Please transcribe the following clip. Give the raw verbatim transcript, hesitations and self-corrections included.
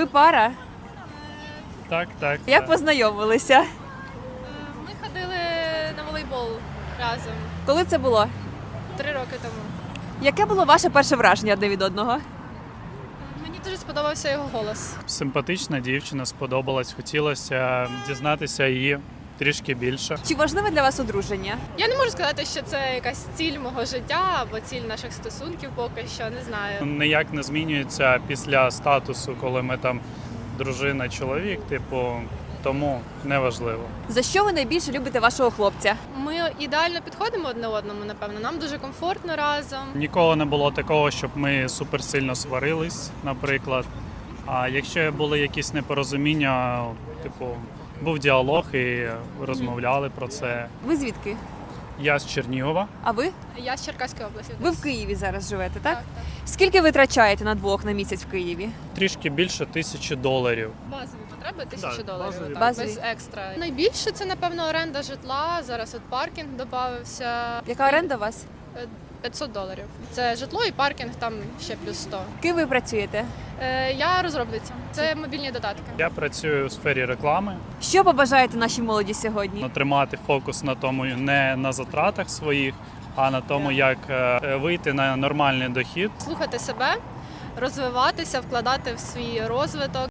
Ви пара? Так, так. Як так. познайомилися? Ми ходили на волейбол разом Коли це було? три роки тому. Яке було ваше перше враження одне від одного? Мені дуже сподобався його голос. Симпатична дівчина, сподобалась, хотілося дізнатися її трішки більше. Чи важливе для вас одруження? Я не можу сказати, що це якась ціль мого життя або ціль наших стосунків поки що, не знаю. Ніяк не змінюється після статусу, коли ми там дружина, чоловік, типу, тому неважливо. За що ви найбільше любите вашого хлопця? Ми ідеально підходимо одне одному, напевно. Нам дуже комфортно разом. Ніколи не було такого, щоб ми суперсильно сварились, наприклад. А якщо були якісь непорозуміння, типу, був діалог і розмовляли про це. Ви звідки? Я з Чернігова. А ви? Я з Черкаської області. Ви в Києві зараз живете, так? Так, так. Скільки ви витрачаєте на двох на місяць в Києві? Трішки більше тисячі доларів. Базові потреби тисячу Так, доларів. базові. так, Базові. без екстра. Найбільше це, напевно, оренда житла. Зараз от паркінг додався. Яка оренда у вас? п'ятсот доларів. Це житло і паркінг, там ще плюс сто. Ким ви працюєте? Е, я розробниця. Це мобільні додатки. Я працюю у сфері реклами. Що побажаєте нашій молоді сьогодні? Тримати фокус на тому, не на затратах своїх, а на тому, як е, вийти на нормальний дохід. Слухати себе, розвиватися, вкладати в свій розвиток.